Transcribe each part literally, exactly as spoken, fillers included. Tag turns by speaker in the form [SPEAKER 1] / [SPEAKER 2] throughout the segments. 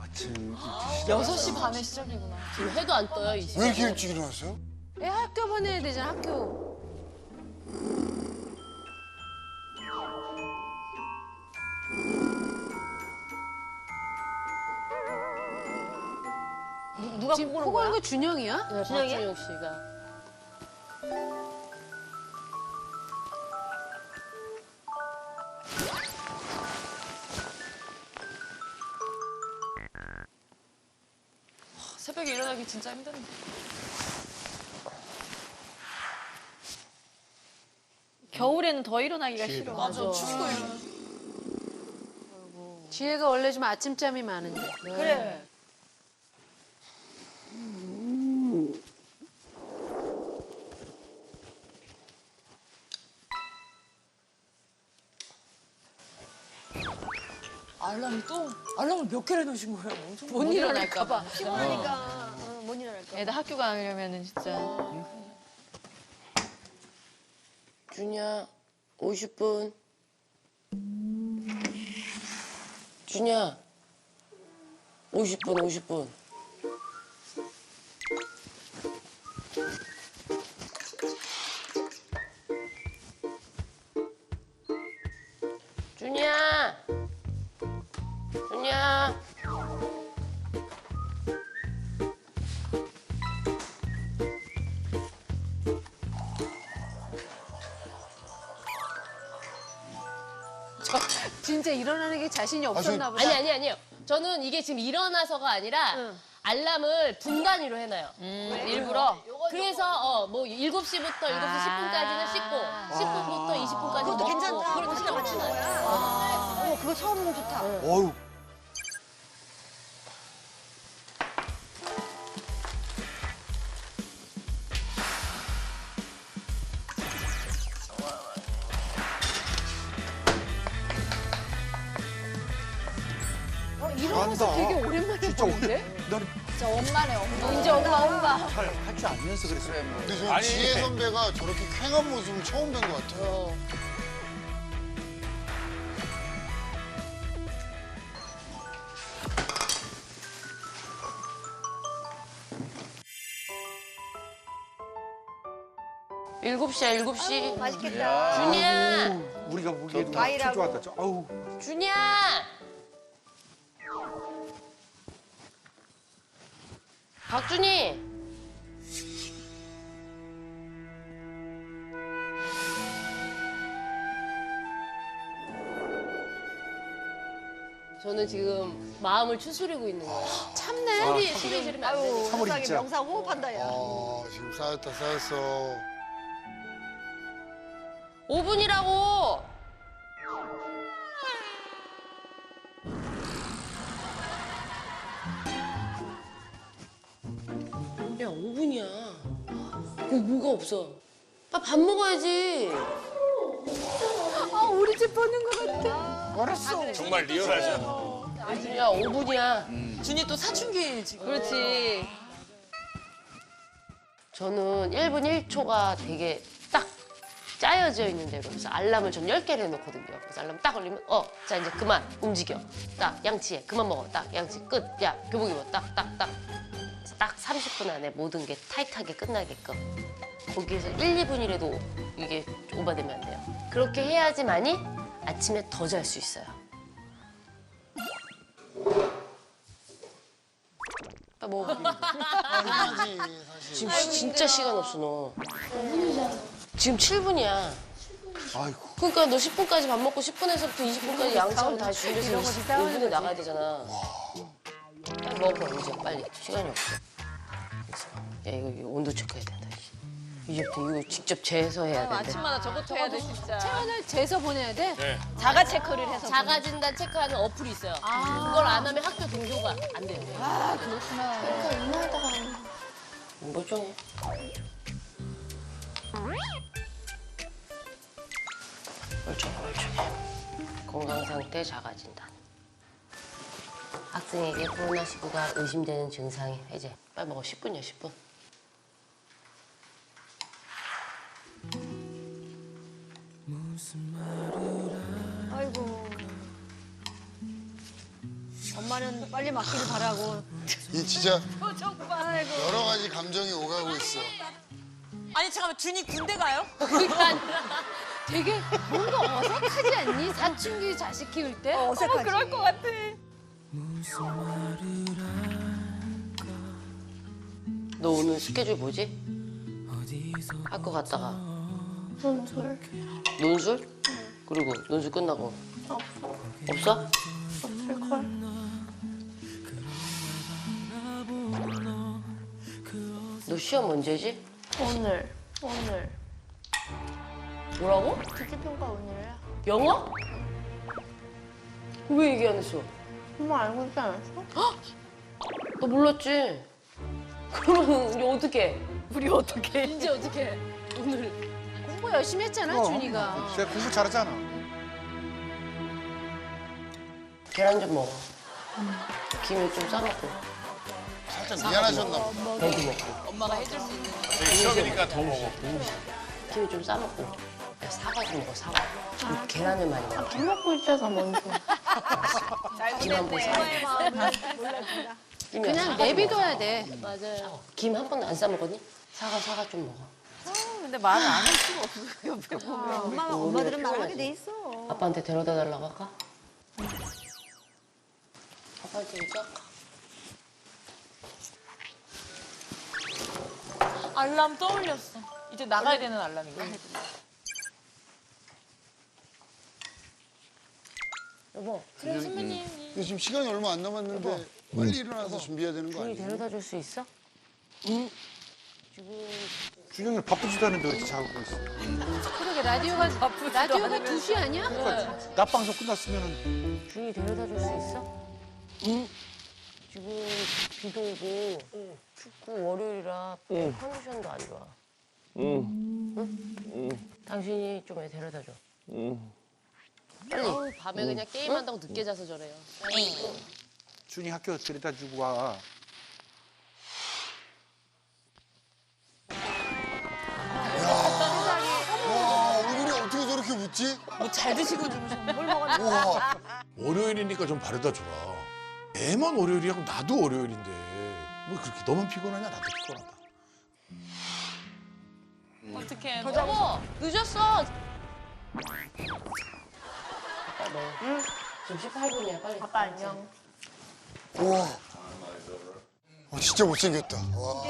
[SPEAKER 1] 아침
[SPEAKER 2] 여섯 시 반에 시작이구나.
[SPEAKER 3] 지금 해도 안 떠요, 이 시간.
[SPEAKER 4] 왜 이렇게 일찍 일어났어요?
[SPEAKER 5] 애 학교 보내야 되잖아, 학교.
[SPEAKER 3] 누가
[SPEAKER 5] 지금
[SPEAKER 3] 코
[SPEAKER 5] 코
[SPEAKER 3] 고는
[SPEAKER 5] 고는
[SPEAKER 3] 거야?
[SPEAKER 5] 거 준영이야?
[SPEAKER 3] 네, 박준영 씨가.
[SPEAKER 2] 새벽에 일어나기 진짜 힘든데.
[SPEAKER 6] 겨울에는 더 일어나기가 싫어.
[SPEAKER 2] 맞아, 춥고 이러면.
[SPEAKER 5] 지혜가 원래 좀 아침잠이 많은데.
[SPEAKER 6] 그래.
[SPEAKER 2] 알람이 또? 알람을 몇 개를 넣으신 거예요? 엄청
[SPEAKER 5] 못 일어날까 봐.
[SPEAKER 6] 피곤하니까 어, 못 일어날까.
[SPEAKER 2] 애들 학교 가려면은 진짜.
[SPEAKER 3] 준이야, 오십 분. 준이야, 오십 분, 오십 분. 준이야, 준이야.
[SPEAKER 5] 진짜 일어나는 게 자신이 없었나 보다.
[SPEAKER 3] 아니 아니 아니요. 저는 이게 지금 일어나서가 아니라 알람을 분단위로 해놔요.
[SPEAKER 6] 일부러.
[SPEAKER 3] 그래서 어 뭐 일곱 시부터 일곱 시 십 분까지는 씻고 십 분부터 이십 분까지
[SPEAKER 6] 그것도
[SPEAKER 3] 먹고
[SPEAKER 6] 괜찮다.
[SPEAKER 3] 그렇게
[SPEAKER 6] 시간 맞추는
[SPEAKER 3] 맞춰놔요.
[SPEAKER 6] 거야. 어, 그거 처음 좋다.
[SPEAKER 4] 어휴.
[SPEAKER 5] 이런 모습 되게 오랜만에
[SPEAKER 1] 진짜
[SPEAKER 5] 보는데?
[SPEAKER 1] 나는
[SPEAKER 6] 진짜 엄마네, 엄마. 이제 엄마, 엄마.
[SPEAKER 1] 잘 할 줄 알면서 그랬어요.
[SPEAKER 4] 근데 저는 지혜 선배가 저렇게 쾌한 모습을 처음 뵌 것 같아요.
[SPEAKER 3] 일곱 시야 일곱 시.
[SPEAKER 6] 맛있겠다.
[SPEAKER 3] 준이야,
[SPEAKER 1] 우리가 보기에도
[SPEAKER 6] 과일하고.
[SPEAKER 1] 좋았다. 저, 아우.
[SPEAKER 3] 준이야. 박준이. 저는 지금 마음을 추스리고 있는 거예요.
[SPEAKER 5] 참네.
[SPEAKER 3] 소리 소리 지르면 안 되니까.
[SPEAKER 6] 아유,
[SPEAKER 1] 삼월
[SPEAKER 6] 세상에
[SPEAKER 1] 있자.
[SPEAKER 6] 명상 호흡한다, 야.
[SPEAKER 4] 아, 지금 쌓였다 쌓였어.
[SPEAKER 3] 오 분이라고. 야, 오 분이야. 그 뭐가 없어? 아, 밥 먹어야지.
[SPEAKER 5] 아, 우리 집 보는 것 같아.
[SPEAKER 4] 알았어.
[SPEAKER 7] 정말 리얼하죠.
[SPEAKER 3] 야, 오 분이야.
[SPEAKER 2] 준이 또 사춘기 지금.
[SPEAKER 6] 그렇지.
[SPEAKER 3] 저는 일 분 일 초가 되게 딱 짜여져 있는 대로. 그래서 알람을 전 열 개를 해놓거든요. 그래서 알람 딱 걸리면, 어, 자, 이제 그만 움직여. 딱, 양치해. 그만 먹어. 딱, 양치 끝. 야, 교복 입어. 딱, 딱, 딱. 딱 삼십 분 안에 모든 게 타이트하게 끝나게끔. 거기에서 일, 이 분이라도 이게 오버되면 안 돼요. 그렇게 해야지만이 아침에 더 잘 수 있어요. 아, 뭐.
[SPEAKER 4] 하지, 사실.
[SPEAKER 3] 지금 시- 진짜 시간 없어, 너. 지금 칠 분이야.
[SPEAKER 1] 아이고.
[SPEAKER 3] 그러니까 너 십 분까지 밥 먹고 십 분에서부터 이십 분까지 양치하고 다시 준비해서
[SPEAKER 5] 이런 거지,
[SPEAKER 3] 오
[SPEAKER 5] 싸우는
[SPEAKER 3] 분에
[SPEAKER 5] 거지.
[SPEAKER 3] 나가야 되잖아. 빨리 먹어, 이제 빨리. 시간이 없어. 그래서 야, 이거, 이거 온도 체크해야 된다. 이제부터 이거 직접 재서 해야 된다.
[SPEAKER 6] 아침마다 저것도 해야 돼, 진짜.
[SPEAKER 5] 체온을 재서 보내야 돼?
[SPEAKER 7] 네.
[SPEAKER 6] 자가 체크를 해서.
[SPEAKER 3] 자가진단 체크하는 어플이 있어요. 그걸 안 하면 학교 등교가 안 돼요.
[SPEAKER 6] 아, 그렇구나.
[SPEAKER 3] 멀쩡해. 멀쩡해, 멀쩡해. 건강상태 자가진단. 학생에게 코로나십구가 의심되는 증상이 해제. 빨리 먹어, 십 분이야, 십 분.
[SPEAKER 6] 아이고.
[SPEAKER 5] 엄마는 빨리 맞기를 바라고.
[SPEAKER 4] 이 진짜
[SPEAKER 5] 정말.
[SPEAKER 4] 여러 가지 감정이 오가고 있어.
[SPEAKER 2] 아니 잠깐만 준이 군대 가요?
[SPEAKER 3] 그러니까
[SPEAKER 5] 되게 뭔가 어색하지 않니? 사춘기 자식 키울 때? 어, 어색하지.
[SPEAKER 6] 그럴 것 같아.
[SPEAKER 3] 너 오늘 스케줄 뭐지? 학교 갔다가
[SPEAKER 7] 논술
[SPEAKER 3] 논술? 그리고 논술 끝나고 없어?
[SPEAKER 7] 없을걸?
[SPEAKER 3] 너 시험 언제지?
[SPEAKER 7] 오늘 오늘
[SPEAKER 3] 뭐라고?
[SPEAKER 7] 듣기평가 오늘이야.
[SPEAKER 3] 영어? 왜 얘기 안 했어?
[SPEAKER 7] 엄마 알고 있지 않았어?
[SPEAKER 3] 너 몰랐지? 그럼 이제 어떡해?
[SPEAKER 2] 우리 어떻게?
[SPEAKER 5] 이제 어떻게?
[SPEAKER 3] 오늘
[SPEAKER 5] 공부 열심히 했잖아,
[SPEAKER 1] 어,
[SPEAKER 5] 준이가.
[SPEAKER 1] 쟤 공부 잘하잖아.
[SPEAKER 3] 계란 좀 먹어. 김을 좀 싸먹고
[SPEAKER 4] 살짝 미안하셨나 봐.
[SPEAKER 3] 배도 먹고
[SPEAKER 2] 엄마가 해줄 수 있는.
[SPEAKER 8] 시험이니까 더 먹어.
[SPEAKER 3] 김을 좀 싸먹고 야, 사과 좀 먹어 사과. 이 계란을 많이 먹어.
[SPEAKER 7] 밥 먹고 있어서 먼저.
[SPEAKER 3] 김 한 번 싸먹고.
[SPEAKER 5] 그냥 내비둬야 돼.
[SPEAKER 3] 맞아요. 김 한 번도 안 싸먹었니? 사과 사과 좀 먹어.
[SPEAKER 2] 근데 말을 안 할 수가 없어 옆에 보면.
[SPEAKER 5] 엄마,
[SPEAKER 3] 엄마들은
[SPEAKER 5] 말하게 돼 있어.
[SPEAKER 3] 아빠한테 데려다 달라고 할까? 아빠한테 얘기할까?
[SPEAKER 2] 알람 떠올렸어. 이제 나가야 되는 알람인가?
[SPEAKER 3] 여보,
[SPEAKER 2] 그래 선배님.
[SPEAKER 4] 근데 지금 시간이 얼마 안 남았는데 빨리 일어나서 준비해야 되는 거
[SPEAKER 3] 준이
[SPEAKER 4] 아니에요?
[SPEAKER 3] 데려다 줄 수 있어?
[SPEAKER 1] 준영이 바쁘지도 않은데 왜 이렇게 자고 있어?
[SPEAKER 5] 그러게, 라디오가, 라디오가 두 시 아니야?
[SPEAKER 1] 낮 방송 끝났으면은
[SPEAKER 3] 준이 데려다 줄 수 있어? 응. 지금 비도 오고 춥고 월요일이라 컨디션도 안 좋아. 응. 응? 당신이 좀 애 데려다 줘. 응. 빨리. 어우, 밤에 그냥 게임한다고 늦게 자서 저래요.
[SPEAKER 1] 준이 학교 데려다 주고 와.
[SPEAKER 4] 와 얼굴이 어떻게 저렇게 묻지?
[SPEAKER 2] 뭐 잘 드시고 주무셨나?
[SPEAKER 4] 우와.
[SPEAKER 8] 월요일이니까 좀 바래다 줘라. 애만 월요일이야? 나도 월요일인데. 뭐 그렇게 너만 피곤하냐? 나도 피곤하다.
[SPEAKER 2] 어떻게?
[SPEAKER 3] 여보, 늦었어. 아빠 너. 응. 지금 십팔 분이야, 빨리.
[SPEAKER 7] 아빠 안녕.
[SPEAKER 4] 우와. 어, 진짜 못생겼다. 와.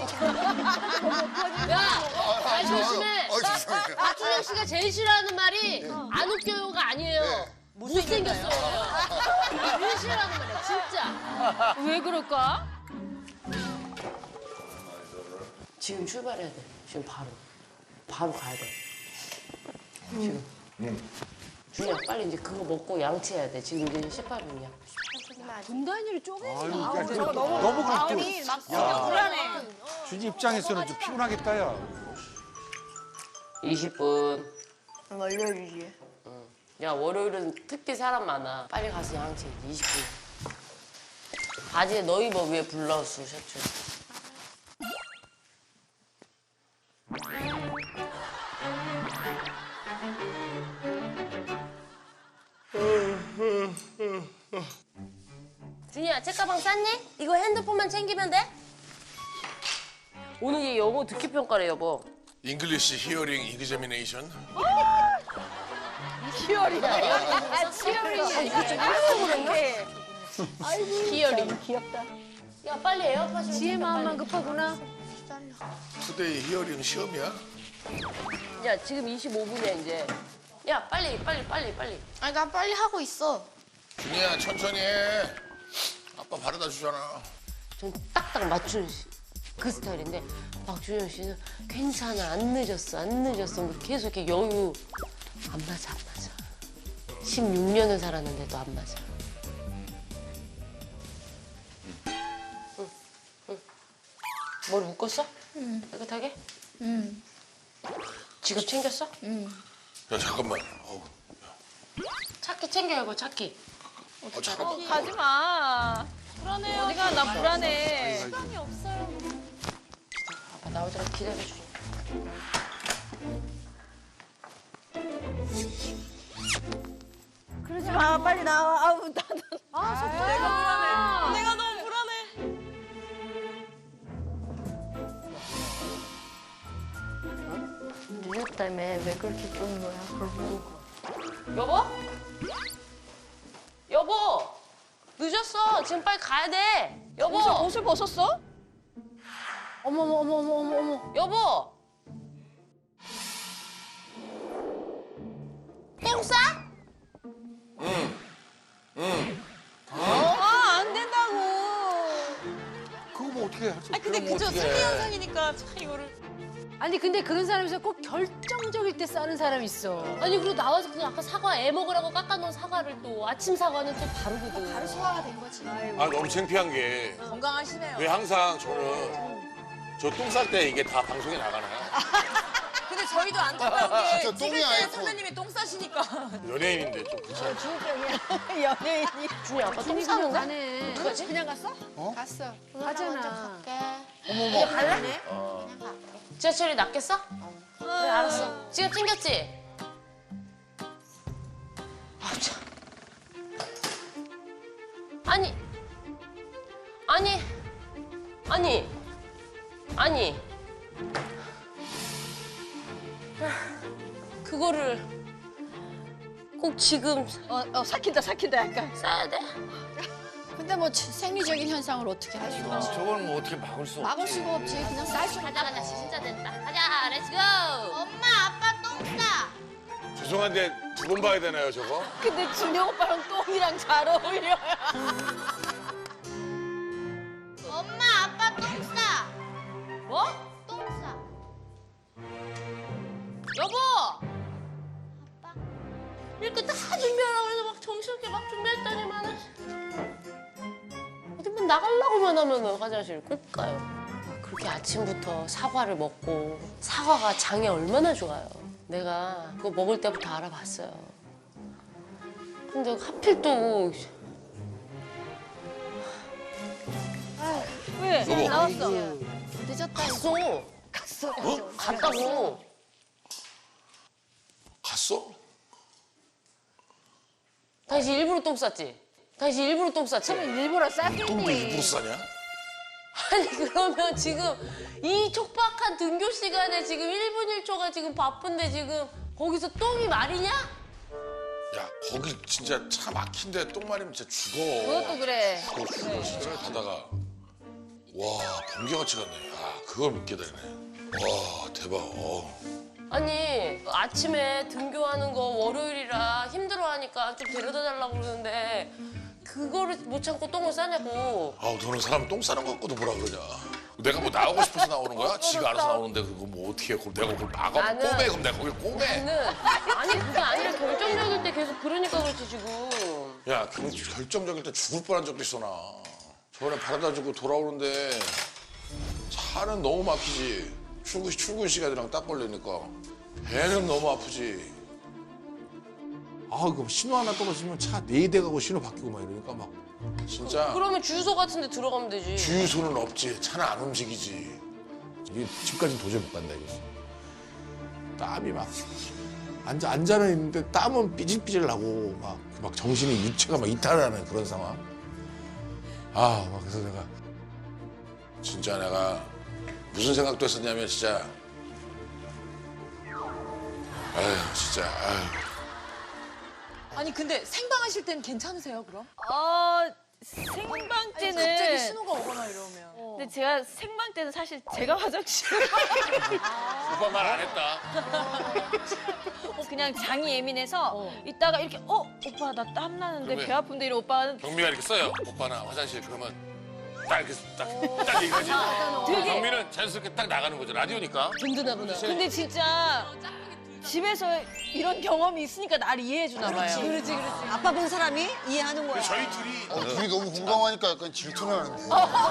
[SPEAKER 3] 야, 말 조심해.
[SPEAKER 4] 아, 죄송해요.
[SPEAKER 3] 박준영 씨가 제일 싫어하는 말이 안 웃겨요가 아니에요.
[SPEAKER 4] 네.
[SPEAKER 3] 못생겼어요. 제일 싫어하는 말이야, 진짜.
[SPEAKER 5] 왜 그럴까?
[SPEAKER 3] 지금 출발해야 돼. 지금 바로. 바로 가야 돼. 지금. 준이야, 빨리 이제 그거 먹고 양치해야 돼. 지금 이제 십팔 분이야.
[SPEAKER 5] 분단위를 쪼개지
[SPEAKER 1] 아유,
[SPEAKER 5] 마.
[SPEAKER 1] 야, 그, 너무 그렇게.
[SPEAKER 2] 불안해.
[SPEAKER 1] 준이 입장에서는 좀 피곤하겠다, 야.
[SPEAKER 3] 이십 분.
[SPEAKER 7] 월요일이지.
[SPEAKER 3] 야, 월요일은 특히 사람 많아. 빨리 가서 양치해. 이십 분. 바지에 너 입어, 위에 블라우스, 셔츠. 준이야, 책가방 쌌니? 이거 핸드폰만 챙기면 돼? 오늘 얘 영어 듣기 평가래, 여보.
[SPEAKER 8] 잉글리시 히어링 이그제미네이션.
[SPEAKER 3] 히어링.
[SPEAKER 7] 귀엽다.
[SPEAKER 3] 야, 빨리 에어팟 좀
[SPEAKER 5] 지혜
[SPEAKER 3] 챙겨,
[SPEAKER 5] 마음만
[SPEAKER 3] 빨리.
[SPEAKER 5] 급하구나.
[SPEAKER 8] 투데이 히어링 시험이야?
[SPEAKER 3] 야, 지금 이십오 분이야, 이제. 야, 빨리, 빨리, 빨리, 빨리.
[SPEAKER 7] 아니 나 빨리 하고 있어.
[SPEAKER 8] 준이야 천천히 해. 아빠 바래다 주잖아.
[SPEAKER 3] 전 딱딱 맞춘 시- 그 스타일인데 박준영 씨는 괜찮아, 안 늦었어, 안 늦었어. 뭐 계속 이렇게 여유. 안 맞아, 안 맞아. 십육 년을 살았는데도 안 맞아. 응, 응. 머리 묶었어? 응. 깨끗하게?
[SPEAKER 7] 응.
[SPEAKER 3] 지갑 챙겼어?
[SPEAKER 8] 야 잠깐만. 어우,
[SPEAKER 3] 차키 챙겨야고, 차키.
[SPEAKER 8] 어, 잠깐만.
[SPEAKER 6] 가지 마. 불안해요. 어디가 나 불안해.
[SPEAKER 3] 아빠 나오더라 기다려줘.
[SPEAKER 5] 그러지 마, 빨리 나와. 아우, 나는. 아, 속상해.
[SPEAKER 7] 그렇다며 왜 그렇게 끄는 거야? 그러고
[SPEAKER 3] 여보? 여보! 늦었어. 지금 빨리 가야 돼. 여보!
[SPEAKER 6] 옷을, 옷을 벗었어?
[SPEAKER 5] 어머 어머 어머 어머 어머 어머.
[SPEAKER 3] 여보! 똥 싸?
[SPEAKER 6] 아, 안 된다고.
[SPEAKER 1] 그거 뭐 어떻게 해?
[SPEAKER 2] 아 근데 그저 생리 현상이니까 참 이거를.
[SPEAKER 5] 아니 근데 그런 사람에서 꼭 결정적일 때 싸는 사람 있어.
[SPEAKER 3] 아니 그리고 나와서 그 아까 사과 애 먹으라고 깎아놓은 사과를 또 아침 사과는 또 바르거든. 바로
[SPEAKER 7] 소화가 된 거지.
[SPEAKER 8] 아 너무 창피한 게 왜
[SPEAKER 2] 건강하시네요.
[SPEAKER 8] 항상 저는 저 똥 쌀 때 이게 다 방송에 나가나요?
[SPEAKER 2] 근데 저희도 안타까운 게
[SPEAKER 4] 진짜 똥이
[SPEAKER 2] 찍을 때
[SPEAKER 4] 아이콘.
[SPEAKER 2] 선배님이 똥 싸시니까.
[SPEAKER 8] 연예인인데 좀 그렇잖아.
[SPEAKER 6] 연예인이.
[SPEAKER 3] 준이 아빠 똥
[SPEAKER 5] 준이 그냥
[SPEAKER 3] 싸는데?
[SPEAKER 5] 가네.
[SPEAKER 3] 어떡하지?
[SPEAKER 6] 그냥 갔어?
[SPEAKER 7] 갔어.
[SPEAKER 5] 가잖아.
[SPEAKER 3] 그냥 갈래? 지하철이 낫겠어? 그래 알았어. 지갑 챙겼지? 아 참. 아니 아니 아니 아니 그거를 꼭 지금
[SPEAKER 6] 어, 어, 삭힌다, 삭힌다, 약간.
[SPEAKER 3] 싸야 돼?
[SPEAKER 7] 근데 뭐 생리적인 현상을 어떻게 할 수가 없어.
[SPEAKER 9] 저걸 뭐 어떻게 막을 수 없지.
[SPEAKER 7] 막을 수가 없지. 그냥 쌀 수.
[SPEAKER 3] 가자 가자 진짜 됐다. 가자 렛츠고.
[SPEAKER 7] 엄마 아빠 똥 싸.
[SPEAKER 8] 죄송한데 두 번 봐야 되나요 저거?
[SPEAKER 6] 근데 준영 오빠랑 똥이랑 잘 어울려요.
[SPEAKER 7] 엄마 아빠 똥 싸.
[SPEAKER 3] 뭐?
[SPEAKER 7] 똥 싸.
[SPEAKER 3] 여보!
[SPEAKER 7] 아빠.
[SPEAKER 3] 이렇게 다 준비하라고 해서 막 정신없게 막 준비했더니만은 어디만 나가려고만 하면은 화장실 꼭 가요. 막 그렇게 아침부터 사과를 먹고 사과가 장에 얼마나 좋아요. 내가 그거 먹을 때부터 알아봤어요. 근데 하필 또
[SPEAKER 6] 왜?
[SPEAKER 8] 여보.
[SPEAKER 6] 나왔어.
[SPEAKER 7] 늦었다.
[SPEAKER 3] 갔어.
[SPEAKER 6] 갔어.
[SPEAKER 3] 갔다고.
[SPEAKER 8] 갔어?
[SPEAKER 3] 다시 일부러 똥 쌌지? 다시 일부러 똥 쌌지?
[SPEAKER 5] 일부러
[SPEAKER 8] 똥도 일부러
[SPEAKER 5] 쌌겠니?
[SPEAKER 8] 싸냐?
[SPEAKER 3] 아니 그러면 지금 이 촉박한 등교 시간에 지금 일 분 일 초가 지금 바쁜데 지금 거기서 똥이 말이냐?
[SPEAKER 8] 야 거기 진짜 차 막힌데 똥 마리면 진짜 죽어.
[SPEAKER 6] 그것도 그래.
[SPEAKER 8] 그거 죽어 진짜 가다가 와 번개같이 갔네. 아 그걸 믿게 되네. 와 대박. 어.
[SPEAKER 3] 아니 아침에 등교하는 거 월요일이라 힘들어하니까 좀 데려다 달라고 그러는데 그거를 못 참고 똥을 싸냐고.
[SPEAKER 8] 아우 너는 사람 똥 싸는 거 갖고도 뭐라 그러냐. 내가 뭐 나오고 싶어서 나오는 거야? 지가 알아서 나오는데 그거 뭐 어떻게 해? 그럼 내가 그걸 막아
[SPEAKER 3] 나는-
[SPEAKER 8] 꼬매 그럼 내가 거기 꼬매.
[SPEAKER 3] 나는 아니 그게 아니라 결정적일 때 계속 그러니까 그렇지 지금.
[SPEAKER 8] 야 그 결정적일 때 죽을 뻔한 적도 있어 나. 저번에 바라다 주고 돌아오는데 차는 너무 막히지. 출근, 출근 시간이랑 딱 걸리니까 배는 너무 아프지.
[SPEAKER 1] 아, 그 신호 하나 떨어지면 차 네 대 가고 신호 바뀌고 막 이러니까 막.
[SPEAKER 8] 진짜
[SPEAKER 3] 그러면 주유소 같은 데 들어가면 되지.
[SPEAKER 8] 주유소는 없지. 차는 안 움직이지.
[SPEAKER 1] 이게 집까지는 도저히 못 간다 이거. 땀이 막 앉아 앉아는 있는데 땀은 삐질삐질 나고 막, 막 정신이 유체가 막 이탈하는 그런 상황. 아, 막 그래서 내가
[SPEAKER 8] 진짜 내가 무슨 생각도 했었냐면 진짜 아휴 진짜 아휴.
[SPEAKER 2] 아니 근데 생방하실 땐 괜찮으세요 그럼?
[SPEAKER 6] 어, 생방
[SPEAKER 2] 아니,
[SPEAKER 6] 때는.
[SPEAKER 2] 갑자기 신호가 오거나 이러면.
[SPEAKER 6] 근데 제가 생방 때는 사실 제가 화장실.
[SPEAKER 8] 오빠 말 안 했다.
[SPEAKER 6] 어, 그냥 장이 예민해서 이따가 이렇게 어 오빠 나 땀 나는데
[SPEAKER 8] 그러면-
[SPEAKER 6] 배 아픈데 이런 오빠는
[SPEAKER 8] 경미가 이렇게 써요. 오빠나 화장실 그러면 딱 이렇게 딱딱 얘기하지.
[SPEAKER 6] 되게-
[SPEAKER 8] 경미는 자연스럽게 딱 나가는 거죠. 라디오니까.
[SPEAKER 3] 든든하구나.
[SPEAKER 6] 근데 진짜 집에서 이런 경험이 있으니까 나를 이해해 주나 봐요.
[SPEAKER 2] 그렇지 그렇지.
[SPEAKER 6] 아빠 본 사람이 이해하는 거야.
[SPEAKER 8] 저희 둘이
[SPEAKER 4] 어, 둘이 너무 공감하니까 약간 질투를 하는데.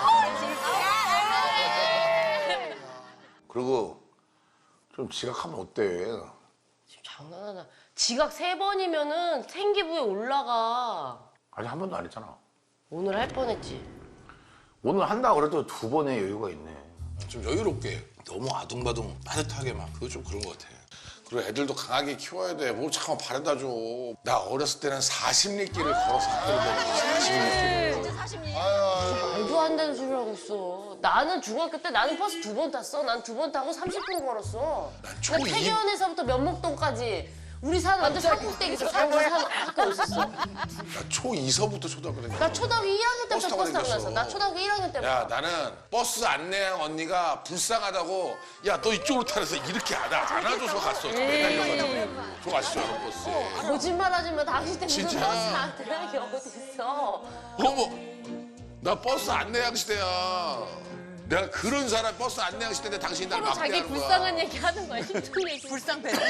[SPEAKER 8] 그리고 좀 지각하면 어때?
[SPEAKER 3] 장난하나. 지각 세 번이면은 생기부에 올라가.
[SPEAKER 9] 아직 한 번도 안 했잖아.
[SPEAKER 3] 오늘 할 뻔했지.
[SPEAKER 9] 오늘 한다 그래도 두 번의 여유가 있네.
[SPEAKER 8] 좀 여유롭게 너무 아둥바둥 빠듯하게 막 그거 좀 그런 것 같아. 그리고 애들도 강하게 키워야 돼. 뭘 자꾸 바래다 줘. 나 어렸을 때는 사십 리길을 걸어서 학교를 다녔어. 사십 리길.
[SPEAKER 4] 아유,
[SPEAKER 3] 말도 안 안 되는 소리를 하고 있어. 나는 중학교 때 나는 버스 두 번 탔어. 난 두 번 타고 삼십 분 걸었어.
[SPEAKER 8] 초
[SPEAKER 3] 나 태계원에서부터 면목동까지 우리 사는 완전 산꼭대기에서 산거 산 학교 있었어.
[SPEAKER 8] 나 초이서부터 초등학교 다녔어.
[SPEAKER 3] 나 초등학교 일 학년
[SPEAKER 8] 버스
[SPEAKER 3] 때부터
[SPEAKER 8] 타고
[SPEAKER 3] 버스 타고
[SPEAKER 8] 다녔어.
[SPEAKER 3] 났어. 나 초등학교 일 학년 때부터.
[SPEAKER 8] 야 나는 버스 안내양 언니가 불쌍하다고 야 너 이쪽으로 타래서 이렇게 안, 안 안아줘서 갔어. 매달려가지고. 저 아시죠? 저 버스에.
[SPEAKER 3] 거짓말하지 마. 당신 때 무슨
[SPEAKER 8] 진짜.
[SPEAKER 3] 버스 안내양이 어딨어.
[SPEAKER 8] 어머 나 버스 안내양 시대야. 내가 그런 사람 버스 안내양 시대인데 당신이 날
[SPEAKER 3] 서로 자기
[SPEAKER 8] 막대하는 거야.
[SPEAKER 3] 불쌍한 얘기 하는 거야. 힘든 얘기.
[SPEAKER 2] 불쌍 배는.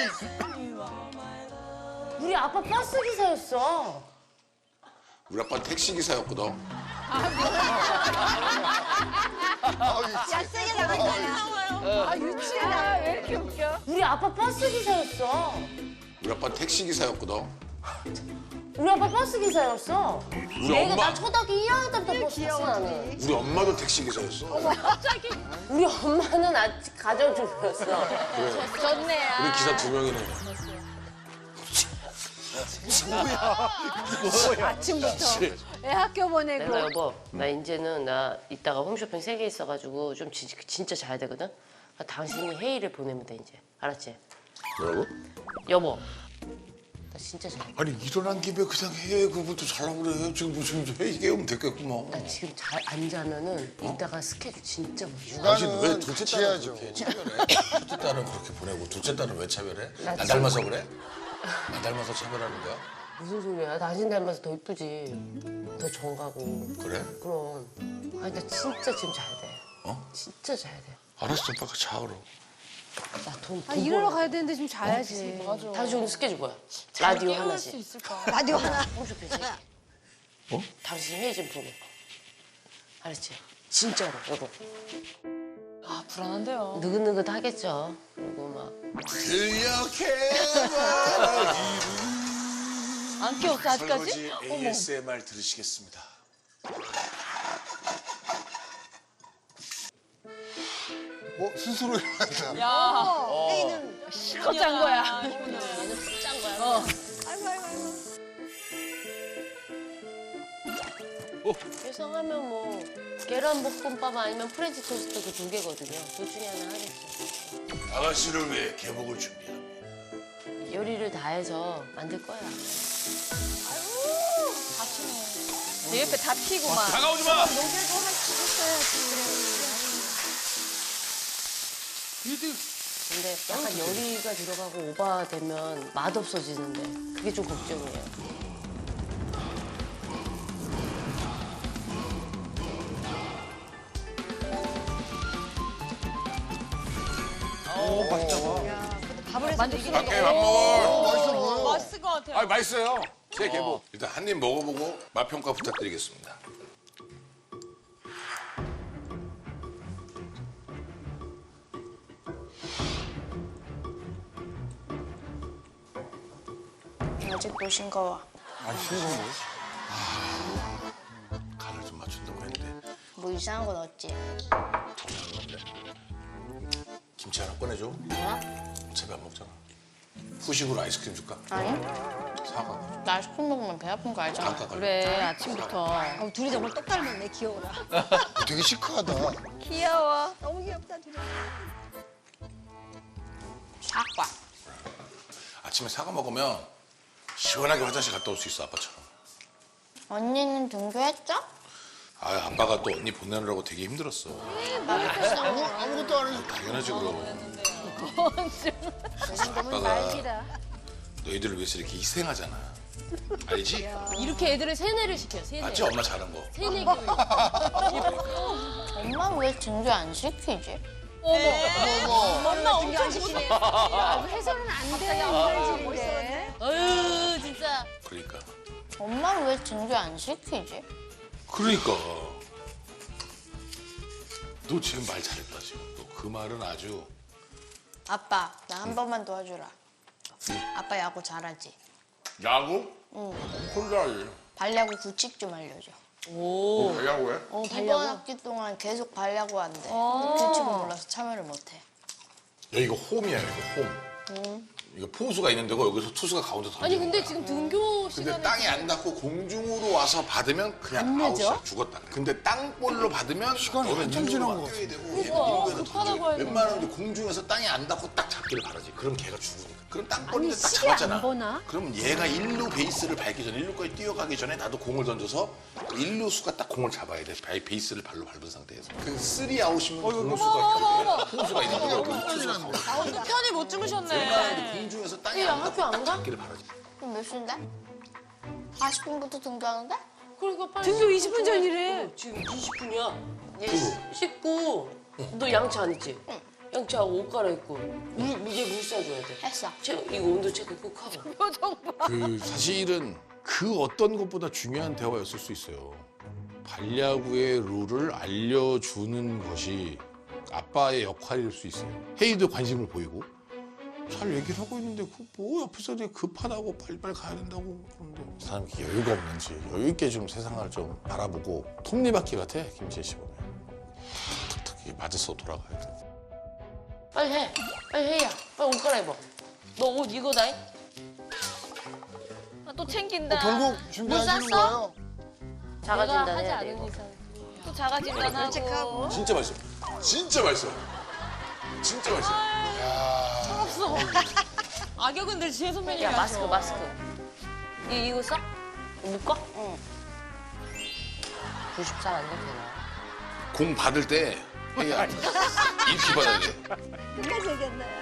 [SPEAKER 3] 우리 아빠 버스 기사였어.
[SPEAKER 8] 우리 아빠는 택시 기사였거든.
[SPEAKER 5] 야, 세게 나갈 거야. 아, 유치하다. 왜 이렇게 웃겨?
[SPEAKER 3] 우리 아빠 버스 기사였어.
[SPEAKER 8] 우리 아빠는 택시 기사였거든.
[SPEAKER 3] 우리 아빠 버스 기사였어.
[SPEAKER 8] 우리
[SPEAKER 3] 내가
[SPEAKER 8] 엄마
[SPEAKER 3] 나 초등학교 일 학년 때부터 버스 탔어 나는.
[SPEAKER 8] 우리 엄마도 택시 기사였어.
[SPEAKER 3] 우리 엄마는 아직 가정주부였어.
[SPEAKER 6] 좋네요.
[SPEAKER 8] 우리 기사 두 명이네.
[SPEAKER 5] 아침부터 애 학교 보내고.
[SPEAKER 3] 내가 여보, 나 이제는 나 이따가 홈쇼핑 세 개 있어가지고 좀 진, 진짜 자야 되거든. 그러니까 당신이 회의를 보내면 돼 이제. 알았지?
[SPEAKER 8] 뭐라고?
[SPEAKER 3] 여보, 나 진짜 자야 돼.
[SPEAKER 8] 아니 일어난 김에 그냥 해. 그것도 잘하고 그래. 지금 무슨 회의 깨우면 됐겠구만.
[SPEAKER 3] 나 지금 잘 안 자면은 이따가 스케줄 진짜 못 줘.
[SPEAKER 8] 당신 왜
[SPEAKER 4] 육아는
[SPEAKER 8] 둘째
[SPEAKER 4] 같이
[SPEAKER 8] 딸은
[SPEAKER 4] 해야죠.
[SPEAKER 8] 그렇게 차별해? 첫째 딸은 그렇게 보내고 둘째 딸은 왜 차별해? 나 닮아서 그래? 나 닮아서 차별하는 거야?
[SPEAKER 3] 무슨 소리야? 당신 닮아서 더 이쁘지. 더 정가고.
[SPEAKER 8] 그래?
[SPEAKER 3] 그럼. 아니 나 진짜 지금 자야 돼.
[SPEAKER 8] 어?
[SPEAKER 3] 진짜 자야 돼.
[SPEAKER 8] 알았어, 오빠가 자 그럼.
[SPEAKER 3] 나돈
[SPEAKER 5] 아, 일하러 가야 되는데 지금 자야지.
[SPEAKER 2] 맞아.
[SPEAKER 3] 당신 오늘 스케줄 뭐야? 라디오
[SPEAKER 2] 깨울 수
[SPEAKER 3] 하나씩.
[SPEAKER 2] 있을까?
[SPEAKER 5] 라디오 하나.
[SPEAKER 3] 홈쇼핑 세 개. 어? 당신 회의 좀 보내. 알았지? 진짜로 여보.
[SPEAKER 2] 아 불안한데요.
[SPEAKER 3] 느긋느긋 하겠죠. 그리고 막.
[SPEAKER 8] 들려해봐
[SPEAKER 2] 안 깨웠어 아직까지?
[SPEAKER 8] 설거지 에이에스엠알 들으시겠습니다.
[SPEAKER 4] 어, 스스로 일어났다.
[SPEAKER 2] 야.
[SPEAKER 5] 회의는
[SPEAKER 2] 실컷 잔 거야.
[SPEAKER 3] 짠 거야.
[SPEAKER 2] 어.
[SPEAKER 5] 아이고 아이고 아이고.
[SPEAKER 3] 예상하면 뭐 계란 볶음밥 아니면 프렌치 토스트 그 두 개거든요. 둘 중에 하나 하겠죠.
[SPEAKER 8] 아가씨를 위해 개복을 준비합니다.
[SPEAKER 3] 요리를 다 해서 만들 거야.
[SPEAKER 6] 내 옆에 다 피고 막.
[SPEAKER 8] 다가오지 마!
[SPEAKER 3] 근데 약간 요리가 들어가고 오버되면 맛없어지는데 그게 좀 걱정이에요.
[SPEAKER 6] 만족스러워.
[SPEAKER 8] 밖에 밥 먹어.
[SPEAKER 4] 맛있어 보여.
[SPEAKER 2] 맛있을 것 같아요.
[SPEAKER 8] 아 맛있어요. 제 개복. 일단 한 입 먹어보고 맛 평가 부탁드리겠습니다.
[SPEAKER 7] 아직도 싱거워.
[SPEAKER 8] 간을 좀 맞춘다고 했는데
[SPEAKER 7] 뭐 이상한 건 없지?
[SPEAKER 8] 김치 하나 꺼내줘.
[SPEAKER 7] 뭐야?
[SPEAKER 8] 어차피 안 먹잖아. 후식으로 아이스크림 줄까?
[SPEAKER 7] 아니?
[SPEAKER 8] 사과.
[SPEAKER 7] 나 아이스크림 먹으면 배 아픈 거 알잖아.
[SPEAKER 8] 아까
[SPEAKER 2] 그래 아침부터.
[SPEAKER 5] 어, 둘이 정말 똑 닮았네. 귀여워라.
[SPEAKER 4] 되게 시크하다.
[SPEAKER 6] 귀여워.
[SPEAKER 5] 너무 귀엽다 둘이.
[SPEAKER 7] 사과.
[SPEAKER 8] 아침에 사과 먹으면 시원하게 화장실 갔다 올 수 있어 아빠처럼.
[SPEAKER 7] 언니는 등교했죠?
[SPEAKER 8] 아 아빠가 또 언니 보내느라고 되게 힘들었어.
[SPEAKER 4] 아무, 아무것도 안 해서.
[SPEAKER 8] 당연하지 그럼.
[SPEAKER 5] 너무
[SPEAKER 8] 아빠가
[SPEAKER 5] 날기다.
[SPEAKER 8] 너희들을 위해서 이렇게 희생하잖아. 알지?
[SPEAKER 3] 이렇게 애들을 세뇌를 시켜, 세뇌.
[SPEAKER 8] 맞지 엄마 잘한 거.
[SPEAKER 3] 세뇌 교육.
[SPEAKER 7] 엄마 왜 등교 안 시키지?
[SPEAKER 6] 엄마 엄청 시키네.
[SPEAKER 5] 아, 해서는 안 돼. 이물질인데.
[SPEAKER 3] 어휴, 진짜.
[SPEAKER 8] 그러니까.
[SPEAKER 7] 엄마 왜 등교 안 시키지?
[SPEAKER 8] 그러니까. 너 지금 말 잘했다 지금. 너 그 말은 아주.
[SPEAKER 7] 아빠, 나 한 번만 도와주라. 아빠 야구 잘하지?
[SPEAKER 8] 야구?
[SPEAKER 7] 응.
[SPEAKER 8] 혼자 하지.
[SPEAKER 7] 발야구 규칙 좀 알려줘.
[SPEAKER 3] 오.
[SPEAKER 8] 야구해?
[SPEAKER 3] 어,
[SPEAKER 7] 이번
[SPEAKER 3] 달려고?
[SPEAKER 7] 학기 동안 계속 발야구 한대. 규칙을 몰라서 참여를 못해.
[SPEAKER 8] 야 이거 홈이야 이거 홈. 이거 포수가 있는 데고 여기서 투수가 가운데 던져.
[SPEAKER 3] 아니 근데 지금 등교
[SPEAKER 8] 근데
[SPEAKER 3] 시간에
[SPEAKER 8] 땅에 안 닿고 공중으로 와서 받으면 그냥 아웃이야. 죽었다. 근데 땅볼로 받으면
[SPEAKER 4] 시간이
[SPEAKER 8] 너는
[SPEAKER 4] 한참
[SPEAKER 8] 일루로
[SPEAKER 4] 지난
[SPEAKER 8] 막
[SPEAKER 4] 것
[SPEAKER 8] 뛰어야 되고
[SPEAKER 2] 그러니까,
[SPEAKER 8] 얘는 일루에서
[SPEAKER 2] 급하다고
[SPEAKER 8] 던져.
[SPEAKER 2] 해야
[SPEAKER 8] 웬만하면 이제 공중에서 땅에 안 닿고 딱 잡기를 바라지. 그럼 걔가 죽으니까. 그럼 땅볼인데 딱
[SPEAKER 5] 시계 안
[SPEAKER 8] 잡았잖아.
[SPEAKER 5] 보나?
[SPEAKER 8] 그럼 얘가 일루 베이스를 밟기 전에 일루까지 뛰어가기 전에 나도 공을 던져서 일루수가 딱 공을 잡아야 돼. 베- 베이스를 발로 밟은 상태에서. 그 쓰리 아웃이면 공수가 공수가 있는 거고 투수가 가운데.
[SPEAKER 2] 또 편히 못 주무셨네.
[SPEAKER 8] 웬만하면 공중에서 땅에 안 닿고 딱 잡기를 바라지.
[SPEAKER 7] 그럼 몇 시인데? 사십 분부터 등교하는데?
[SPEAKER 3] 그러니까 빨리
[SPEAKER 5] 등교 이십 분 전이래.
[SPEAKER 3] 어, 지금 이십 분이야. 얘 씻고 너 양치 안 했지? 양치하고 옷 갈아입고 물 이제 물 쏴줘야 돼.
[SPEAKER 7] 했어.
[SPEAKER 3] 체, 이거 온도 체크 꼭 하고.
[SPEAKER 1] 그 사실은 그 어떤 것보다 중요한 대화였을 수 있어요. 반야구의 룰을 알려주는 것이 아빠의 역할일 수 있어요. 혜이도 관심을 보이고 잘 얘기를 하고 있는데 그 뭐 옆에서 되게 급하다고 빨리빨리 가야 된다고 그러는데 이 사람이 이렇게 여유가 없는지 여유 있게 좀 세상을 좀 바라보고 톱니바퀴 같아 김치혜 씨 보면 탁탁탁 이게 맞아서 돌아가야 돼.
[SPEAKER 3] 빨리 해. 빨리 해야. 빨리 옷 갈아입어. 너 옷 이거다잉?
[SPEAKER 6] 아, 또 챙긴다.
[SPEAKER 4] 결국 준비하시는
[SPEAKER 3] 쌌어?
[SPEAKER 4] 거예요?
[SPEAKER 3] 자가진단 해야 돼 이거.
[SPEAKER 6] 또 자가진단하고.
[SPEAKER 8] 진짜 맛있어. 진짜 맛있어. 진짜 맛있어.
[SPEAKER 2] 없어. 악역은 늘 지혜 선배님이
[SPEAKER 3] 야
[SPEAKER 2] 하셔.
[SPEAKER 3] 마스크 마스크. 이 이거 써? 묶어? 응. 구십사 안 돼, 되나?
[SPEAKER 8] 공 받을 때 혜이야 이렇게 받아야 돼.
[SPEAKER 5] 끝까지 얘기했나요?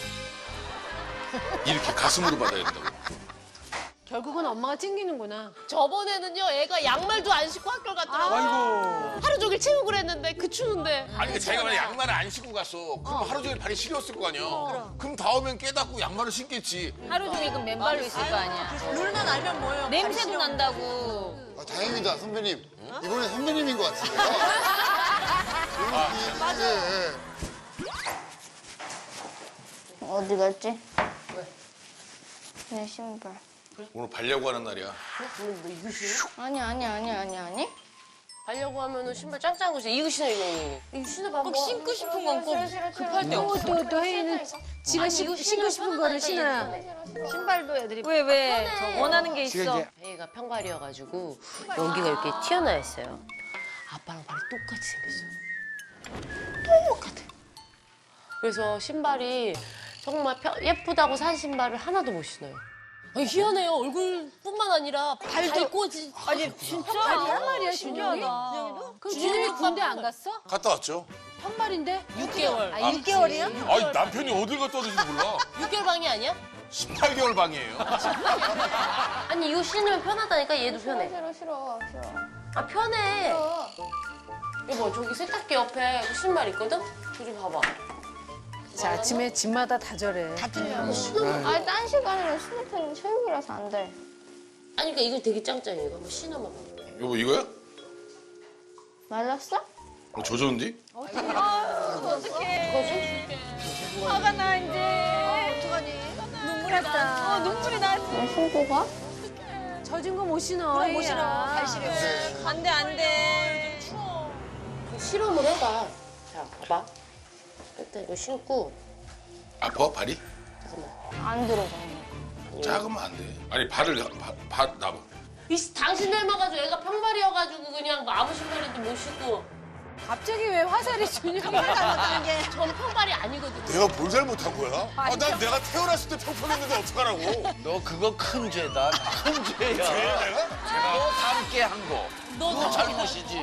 [SPEAKER 8] 이렇게 가슴으로 받아야 된다고.
[SPEAKER 5] 결국은 엄마가 챙기는구나.
[SPEAKER 3] 저번에는요 애가 양말도 안 신고 학교 갔더라고. 하루 종일 체육을 그랬는데 그 추운데.
[SPEAKER 8] 아니 근데 자기가 만약 양말을 안 신고 갔어. 그럼 하루 종일 발이 시렸을 거 아니야. 그럼 다음엔 깨닫고 양말을 신겠지.
[SPEAKER 6] 하루 종일 그 맨발로 있을 거 아니야.
[SPEAKER 2] 룰만 알면 뭐예요?
[SPEAKER 6] 냄새도 난다고.
[SPEAKER 4] 아, 다행이다 선배님. 이번엔 선배님인 것 같은데요. 맞아.
[SPEAKER 7] 어디 갔지? 내 신발.
[SPEAKER 8] 오늘 발려고 하는 날이야.
[SPEAKER 3] 그럼 너 이거 신어?
[SPEAKER 7] 아니 아니 아니 아니 아니.
[SPEAKER 3] 가려고 하면은 신발 짱짱한 거 신어. 이거 신어 이거. 이거 신어봐.
[SPEAKER 2] 꼭 신고 싶은 건 꼭 급할 때 없어.
[SPEAKER 5] 또, 또 혜인은 지가
[SPEAKER 3] 아니,
[SPEAKER 5] 신-
[SPEAKER 3] 이거
[SPEAKER 5] 신고
[SPEAKER 3] 신으면
[SPEAKER 5] 싶은 거를
[SPEAKER 3] 편하다니까,
[SPEAKER 5] 신어야. 신발도 애들이
[SPEAKER 6] 왜 왜? 원하는 게 있어.
[SPEAKER 3] 얘가 평발이어가지고 여기가 이렇게 튀어나와 있어요. 아빠랑 발이 똑같이 생겼어요. 똑같아. 그래서 신발이 정말 펴- 예쁘다고 산 신발을 하나도 못 신어요. 아니, 희한해요. 얼굴뿐만 아니라 발도 지
[SPEAKER 6] 아니 진짜?
[SPEAKER 5] 한 말이야, 준영이?
[SPEAKER 6] 신기하다.
[SPEAKER 5] 그럼 준영이 군대 안 갔어?
[SPEAKER 8] 갔다 왔죠.
[SPEAKER 5] 한말인데
[SPEAKER 2] 육 개월.
[SPEAKER 5] 아, 육 개월이야?
[SPEAKER 8] 아니 남편이 어딜 갔다 왔는지 몰라.
[SPEAKER 3] 육 개월 방이 아니야?
[SPEAKER 8] 십팔 개월 방이에요.
[SPEAKER 3] 아니 이거 신으면 편하다니까 얘도 편해.
[SPEAKER 7] 싫어 싫어 싫어.
[SPEAKER 3] 아 편해. 여보 저기 세탁기 옆에 그 신발 있거든? 저기 봐봐.
[SPEAKER 5] 자, 아침에 집마다 다 저래.
[SPEAKER 7] 아니 딴 시간에는 스니터는 체육이라서 안 돼.
[SPEAKER 3] 아니 그러니까 이거 되게 짱짱해. 이거 한번 신어봐봐.
[SPEAKER 8] 여보 이거야?
[SPEAKER 7] 말랐어?
[SPEAKER 8] 어, 젖었는데?
[SPEAKER 6] 화가 나 이제.
[SPEAKER 5] 눈물 났다.
[SPEAKER 6] 어 눈물이 나.
[SPEAKER 7] 왜 신고 가?
[SPEAKER 5] 젖은 거 못 신어. 못 신어. 발 시려.
[SPEAKER 6] 안돼 안돼.
[SPEAKER 3] 그 실험을 해봐. 자 봐봐. 일단 이거 신고
[SPEAKER 8] 아파 발이?
[SPEAKER 3] 잠깐만.
[SPEAKER 7] 안 들어가.
[SPEAKER 8] 작으면 안 돼. 아니 발을 바, 발 나봐.
[SPEAKER 3] 이 당신 닮아가지고 애가 평발이어가지고 그냥 뭐 아무 신발인지 못 신고.
[SPEAKER 5] 갑자기 왜 화살이 준영이?
[SPEAKER 3] 저는 평발이 아니거든요.
[SPEAKER 8] 내가 뭘 잘못한 거야? 아, 난 내가 태어났을 때 평평했는데 어떡하라고?
[SPEAKER 9] 너 그거 큰 죄다. 큰 죄야.
[SPEAKER 8] 죄야 내가?
[SPEAKER 9] 너 닮게 한 거. 너 잘못이지.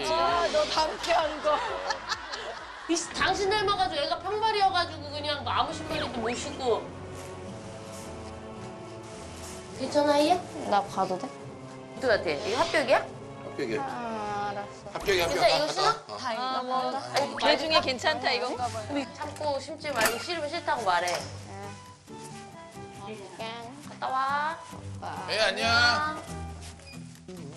[SPEAKER 3] 이 당신 닮아가지고 애가 평발이어가지고 그냥 뭐 아무 신발인지 못 신고. 괜찮아 얘?
[SPEAKER 7] 나 가도 돼?
[SPEAKER 3] 어떻게 같아? 이거 합격이야?
[SPEAKER 8] 합격이야.
[SPEAKER 7] 아 알았어.
[SPEAKER 8] 합격이 합격.
[SPEAKER 3] 괜찮아 이거 신어?
[SPEAKER 6] 아, 뭐.
[SPEAKER 3] 아니
[SPEAKER 6] 걔 중에 괜찮다 이건가 봐요.
[SPEAKER 3] 참고 심지 말고 싫으면 싫다고 말해.
[SPEAKER 7] 네.
[SPEAKER 3] 갔다 와.
[SPEAKER 8] 예 안녕.